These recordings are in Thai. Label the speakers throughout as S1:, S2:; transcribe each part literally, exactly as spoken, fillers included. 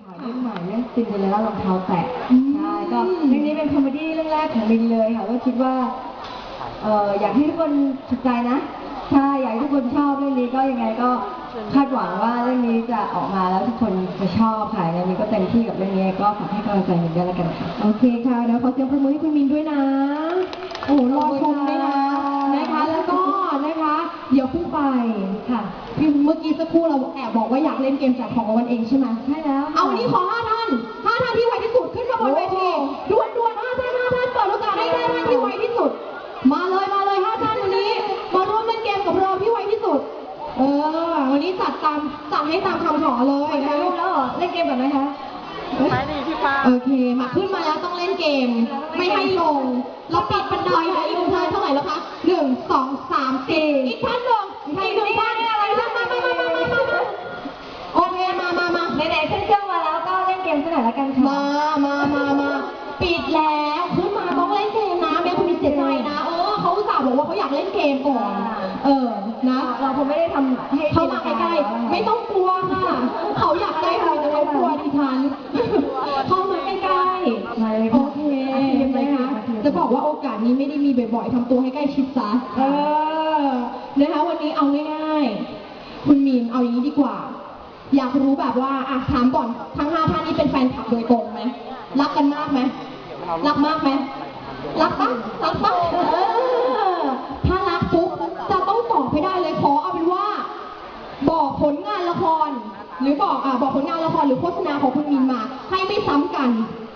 S1: ค่ะเรื่องใหม่เรื่องซินเดอเรลล่ารองเท้าแตะใช่ก็เรื่องนี้เป็นคอมเมดี้เรื่องแรกของลินเลยค่ะก็คิดว่าเอ่ออยากให้ทุกคนถูกใจนะใช่อยากให้ทุกคนชอบเรื่องนี้ก็ยังไงก็คาดหวังว่าเรื่องนี้จะออกมาแล้วทุกคนจะชอบค่ะยังไงก็เต็มที่กับเรื่องนี้ก็ฝากให้กำลังใจมินด้วยแล้วกันค่ะ
S2: โอเคค่ะเดี๋ยวขอเสียงปรบมือให้คุณมินด้วยนะโอ้โหรอชมด้วยนะนะคะแล้วก็นะคะเดี๋ยวขึ้นไปค่ะพี่เมื่อกี้สักครู่เราแอบบอกว่าอยากเล่นเกมแจกของรางวัลเองใช่ไหม
S1: ใช่แล้ว
S2: เอาวันนี้ขอห้าท่านห้าท่านที่ไวที่สุดขึ้นมาบนเวทีด่วนด่วนห้าท่านห้าท่านเปิดโอกาสให้ห้าท่านที่ไวที่สุดมาเลยมาเลยห้าท่านวันนี้มาร่วมเล่นเกมกับเราที่ไวที่สุดเออวันนี้จัดตามจัดให้ตามคำขอเลยนะ
S1: ถ่ายรูปแล้วเหรอเล่นเกมแบบไหนคะ
S3: ไปดิพี่ป้า
S2: โอเคมาขึ้นมาแล้วต้องเล่นเกมไม่ให้ลงเราปิดบันไดค่ะอีกท่านเท่าไหร่แล้วคะหนึ่งสองสามสี่อีกท่านหนึ่งอีกหนึ่งท่านอะไรมามามามามามามาโอเคมามามา
S1: ไหนๆขึ้นเครื่องมาแล้วก็เล่นเกมสักหน่อยละกันค่ะ
S2: มามามามาปิดแล้วขึ้นมาต้องเล่นเกมนะแม่คุณมีเสียใจนะเออเขาอุตส่าห์บอกว่าเขาอยากเล่นเกมก่อนเออนะ
S1: เราคงไม่ได้ทำให้
S2: เขามาใกล้ๆไม่ต้องกลัวค่ะเขาอยากได้เราแต่เขากลัวดิฉันเข้ามาใกล้ๆโอเคนะคะจะบอกว่าโอกาสนี้ไม่ได้มีบ่อยๆทำตัวให้ใกล้ชิดซะเออนะคะวันนี้เอาง่ายๆคุณมีนเอาอย่างนี้ดีกว่าอยากรู้แบบว่าอ่ะถามก่อนทั้งห้าท่านนี้เป็นแฟนคลับโดยตรงไหมรักกันมากไหมรักมากไหมรักปะรักปะเออถ้ารักปุ๊บจะต้องตอบให้ได้เลยขอเอาเป็นว่าบอกผลงานละครหรือบอกอ่าบอกผลงานละครหรือโฆษณาของคุณมินมาให้ไม่ซ้ำกัน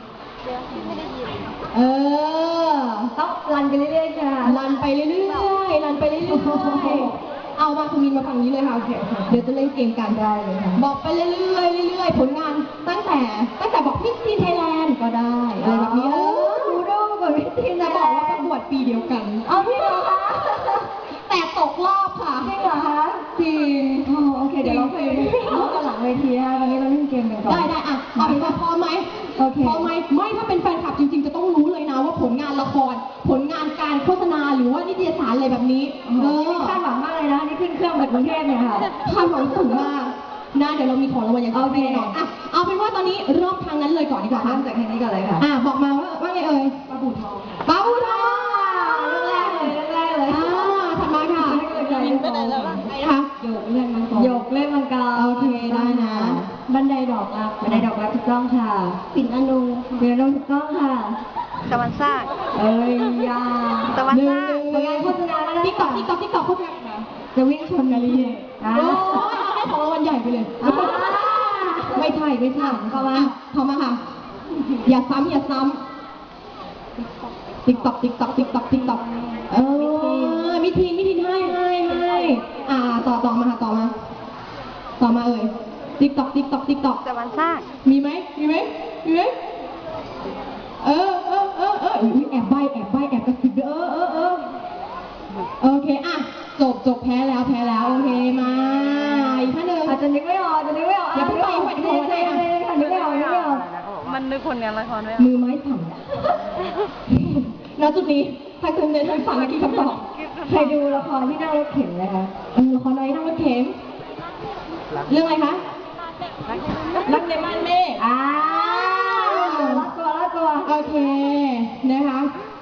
S2: เออ
S1: ต้องรันไปเรื่อยๆค่ะ
S2: รันไปเรื่อยๆรันไปเรื่อยๆเอามาคุณมินมาฝั่งนี้เลยค่ะโอเคเดี๋ยวจะเล่นเกมกันได้เลยค่ะบอกไปเรื่อยๆเรื่อยๆผลงานตั้งแต่ตั้งแต่บอกมิสทีนไทยแลนด์ก็ได้อะไรแบบนี้เออ
S1: ดูดูกับมิสทีน
S2: จะบอกว่าประกวดปีเดียวกัน
S1: เอาพี่เหรอคะ
S2: แต่ตกรอบค่ะ
S1: จริงเหรอคะ
S2: จริง
S1: โอเคเดี๋ยวเราไปพูดกันหลังเวทีนะคะวันนี้เราเล่นเกมกันก่อน
S2: ได้ได้อ่ะเอาเป็นว่าพอไหม
S1: โอเค
S2: พอไหมไม่ถ้าเป็นแฟนคลับจริงๆจะต้องรู้เลยนะว่าผลงานละครผลงานการโฆษณาหรือว่านิตยสารอะไรแบบนี้
S1: เออคาดหวังมากเลยนะนี่ขึ้นเครื่องไปกรุงเทพเนี่ยค่ะ
S2: คาดหวังสูงมากนะเดี๋ยวเรามีของรางวัลอย่างแน่นอนอ่ะเอาเป็นว่าตอนนี้เริ่มทางนั้นเลยก่อนดีกว่า
S1: เริ่มจากทางนี้ก่อนเลยค่ะ
S2: อ่ะบอกมาว่าว่าไงเอ่ย
S1: ปลาบูทอง
S2: ปลาบูทอง
S1: เรื่องแรกเลยเรื่องแรกเลย
S2: อ่าถัดมาค่ะ
S3: มินไปไหนแล้วล่ะ
S2: ใครนะคะ
S1: โยกเล่นมังกรโยกเล่นมังกร
S2: โอเคได้นะ
S1: บันไดดอกรักบันไดดอกรักถูกต้องค่ะปิ่นอนุปิ่นอนุถูกต้องค่ะ
S3: ตะวันซ่า
S1: เอ้ยยา
S3: ตะวันซ่า
S1: ผลงานโฆษณาแล้วนะ
S2: ติ๊กต็อกติ๊กต็อกติ๊กต็อกโฆษณา
S1: จะวิ่งชนกันเลย
S2: โอ้ยเอาให้ของรางวัลใหญ่ไปเลยไม่ใช่ไม่ใช่เข้ามาเข้ามาค่ะอย่าซ้ำอย่าซ้ำติ๊กต็อกติ๊กต็อกติ๊กต็อกติ๊กต็อกเออมิทีนมิทีนให้ให้ให้อ่าต่อต่อมาค่ะต่อมาต่อมาเอ่ยติ๊กต็อกติ๊กต็อกติ๊กต็อก
S3: ตะวันซ่า
S2: มีไหมมีไหมมีไหมเออเออเออเออแอบใบแอบใบแอบกระซิบเออเออเออโอเคอ่ะจบจบแพ้แล้วแพ้แล้วโอเคมาอีกท่านหนึ่ง
S1: อาจจะนึกไม่ออกจะนึกไม่ออก
S2: อย่าเพิ่งไปอย่าเพิ่งไป
S1: ใช่ใช่ค่ะนึกไม่ออกนึกไม่ออก
S3: มันนึกผลงานละครไว้
S2: มือไม้สั่นณจุดนี้ถ้าคุณเดินทางสั่นเมื่อกี้คำตอบ
S1: ใครดูละครที่นั่งรถเข็นนะคะ
S2: เออละครอะไรนั่งรถเข็นเรื่องอะไรคะรักในม่านเมฆ
S1: อ่ารักตัวรักตัว
S2: โอเคนะคะ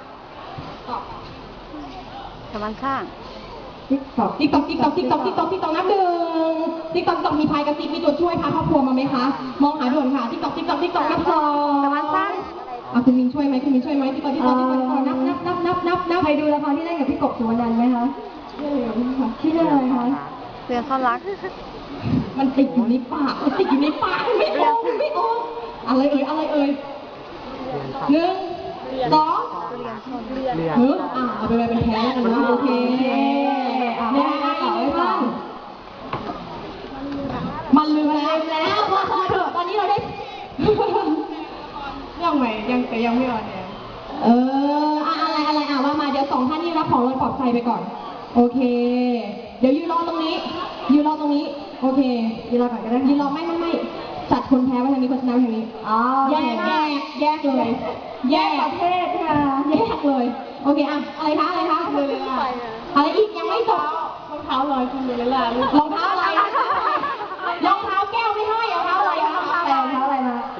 S3: ตะวันซ่า
S1: ติ๊กต็อก
S2: ติ๊กต็อกติ๊กต็อกติ๊กต็อกติ๊กต็อกติ๊กต็อกนับหนึ่งติ๊กต็อกติ๊กต็อกมีพายกระซิบมีตัวช่วยพาครอบครัวมาไหมคะมองหาด่วนค่ะติ๊กต็อกติ๊กต็อกติ๊กต็อกนับสอง
S3: ตะวันซ่า
S2: อ่ะคุณมินช่วยไหมคุณมินช่วยไหมติ๊กต็อกติ๊กต็อกติ๊กต็อกนับนับนับนับนับนับ
S1: ใครดูละครที่เล่นกับพี่กบสุวรรณันท์ไหมคะชื่ออะไรคะ
S3: เสือซ่อนรัก
S2: มันติดอยู่ในปากมันติดอยู่ในปากไม่ออกไม่ออกอะไรเอ่ยอะไรเอ่ยหนึ่งสองเฮ้ยอ่ะเอาไปไปเป็นแพ้แล้วกันนะโอเคเนี่ยต่อไว้ก่อนมันลืมแล้วแล้วพอพอเถอะตอนนี้เราได้
S1: ยังไม่ยังแต่ยังไม่ออนเนี่ย
S2: เอออะไรอะไรอ่ะว่ามาเดี๋ยวสองท่านนี้รับของรางวัลปลอบใจไปก่อนโอเคเดี๋ยวยืนรอตรงนี้ยืนรอตรงนี้โอเค
S1: ยืนรอก่อนก็ได้
S2: ยืนรอไม่ไม่ไม่จัดคนแพ้ไว้ทางนี้คนชนะไว้ทางนี้
S1: อ๋อ
S2: แยกแยกแยกเลย
S1: แยกประเภทค่ะ
S2: แยกเลยโอเคอ่ะอะไรคะอะไรคะอะไรอีกยังไม่จบ
S1: รองเท้าลอยคุณดูเลยล่ะ
S2: รองเท้าอะไรรองเท้าแก้วไม่ให้รองเท้าอะไรรองเท้าอะไร
S1: รองเท้าอะไรมา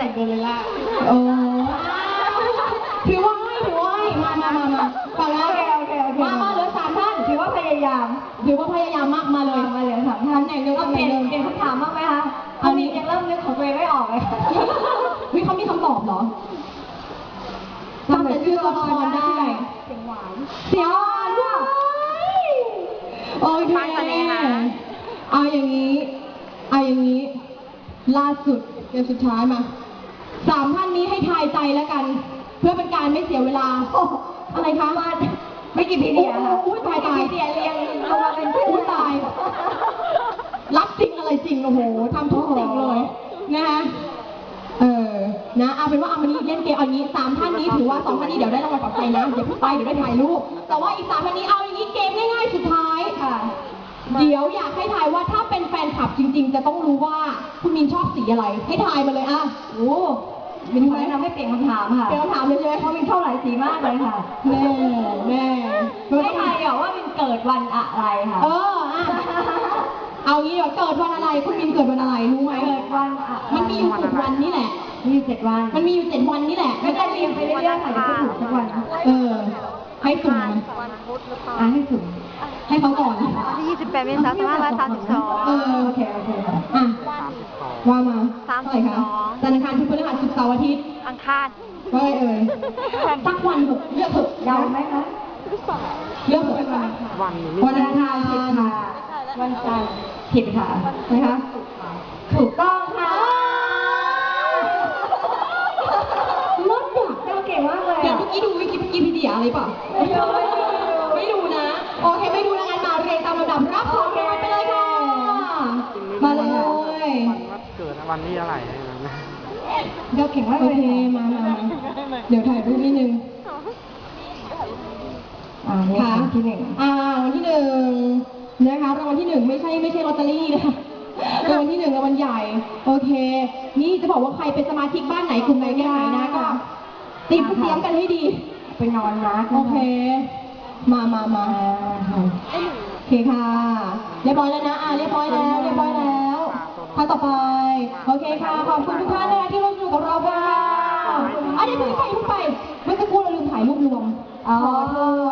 S2: แต่งตัวเลยล่ะโอ้ถือว่าให้ถือว่าให้มามามามาฟังแล้ว
S1: โอเคโอเคโอเค
S2: มามาเหลือสามท่าน
S1: ถือว่าพยายาม
S2: ถือว่าพยายามมากมาเลย
S1: มาเหลือสามท่าน
S2: ตำแหน่งเดิม
S1: เรา
S2: ตำ
S1: เป
S2: แหน่
S1: ลี่
S2: ง
S1: ยน
S2: เดิม
S1: เปลี่ยนคำถามบ้างไหมคะ
S2: อันนี้
S1: ยังเริ่มนึกของตัวเองไม่ออกเลยค่ะ
S2: วิเขามีคำตอบเหรอจำแต่ชื่อละครได้
S1: เสียงหวาน
S2: เสียงหวานว่ะโอเค
S3: ฟังกันเลยนะ
S2: เอาอย่างนี้ เอาอย่างนี้ ล่าสุดเกมสุดท้ายมา สามท่านนี้ให้ทายใจแล้วกัน เพื่อเป็นการไม่เสียเวลา อะไรคะ
S1: ไม่กี่พีเดียค่ะ
S2: อุ้ยตายตาย
S1: ไม่กี่พีเดียเรียงลงมาเป็นชื่อ
S2: อุ้ยตาย รับจริงอะไรจริง โอ้โหทำทุกสิ่งเลยนะคะเออ นะ เอาเป็นว่าเอาวันนี้เล่นเกมเอาอย่างนี้สามท่านนี้ถือว่าสองท่านนี้เดี๋ยวได้รางวัลปลอบใจนะอย่าเพิ่งไปเดี๋ยวได้ถ่ายรูป แต่ว่าอีกสามท่านนี้เอาอย่างนี้เกมง่ายๆสุดท้าย
S1: ค่ะ
S2: เดี๋ยวอยากให้ทายว่าถ้าเป็นแฟนคลับจริง ๆ จะต้องรู้ว่าคุณมินชอบสีอะไร ให้ทายมาเลยอ่ะ
S1: โอ้มินขอแนะนำให้เปลี่ยนคำถามค่ะ
S2: เปลี่ยนคำถามเลยใช่ไหม
S1: เพราะมินเข้าหลายสีมากเลยค่ะ
S2: แน่แน่
S1: ให้ทายเดี๋ยวว่ามินเกิดวันอะไรค่ะ
S2: เอออ่ะเอางี้เดี๋ยวเกิดวันอะไรคุณมินเกิดวันอะไรรู้ไหม
S1: เกิดวันอะ
S2: มันมีอยู่เจ็ดวันนี่แหละ
S1: มีอยู่เจ็ดวัน
S2: มันมีอยู่เจ็ดวันนี่แหละ
S1: ไม่ได้เรียงไปเรื่อยๆค่ะเดี๋ยวก็ถูกสักวันค่ะ
S2: เออ ให้สุ่มมา
S3: วันพุธหรือเปล่า
S1: อ่ะให้สุ่ม
S2: ให้เขาก่อน
S3: วันที่ยี่สิบแปดเมษายนสองพันห้าร้อยสามสิบสอง
S2: เออ
S1: โอเคโอเคค่ะ
S2: อ่ะว่ามา
S3: สาม
S2: เท่า
S3: สิ
S2: ไหร่
S3: บ
S2: คะ
S3: สอง
S2: จันทร์อังคารพุธพฤหัสศุกร์เสาร์อาทิตย์
S3: อังคาร
S2: ว่าไงเอ่ยสักวันเถอะเลือกเถอะ
S1: ยาวไหมคะ
S2: เลือกเถอะ
S1: วัน
S2: วันอังคาร
S1: ผิดค่ะวันจันทร์ผิดค่ะนะคะ ถูกต้องค่ะ
S2: รถอ่ะ
S1: เจ้าเก่งมากเลย
S2: เดี๋ยว
S1: อะ
S2: เมื่อกี้ดูวิกิพีเดียอะไรเปล่า
S1: ไม่ดูไม่ดู
S2: ไม่ดูนะ โอเคไม่ดูแล้วงั้นมาเรียงตามลำดับรับของรางวัลไปเลยค่ะ มาเลย
S4: วันเกิดวันที่อะไรนะ
S1: เจ้าเก่งมาก
S2: โอ
S1: เลย
S2: เค มามามาเดี๋ยวถ่ายรูปนิดนึง
S1: อ่านี่
S2: ค่ะ
S1: ค่ะที่หนึ่ง
S2: อ่ารางวัลที่หนึ่งนะคะรางวัลที่หนึ่งไม่ใช่ไม่ใช่ลอตเตอรี่นะคะรางวัลที่หนึ่งรางวัลใหญ่ โอเค นี่จะบอกว่าใครเป็นสมาชิกบ้านไหนกลุ่มไหนแค่ไหนนะก็เตรียมเตรียมกันให้ดี
S1: ไปนอนนะ
S2: โอเค มามามา
S1: อ่า
S2: โอเคค่ะ เรียบร้อยแล้วนะ อ่าเรียบร้อยแล้ว เรียบร้อยแล้วท่านต่อไป โอเคค่ะ ขอบคุณทุกท่านนะคะที่ร่วมสนุกกับเราค่ะอ่ะเดี๋ยวเพิ่งไปเพิ่งไป เมื่อสักครู่เราลืมถ่ายรูปรวม
S1: อ๋อ
S2: ขอโทษ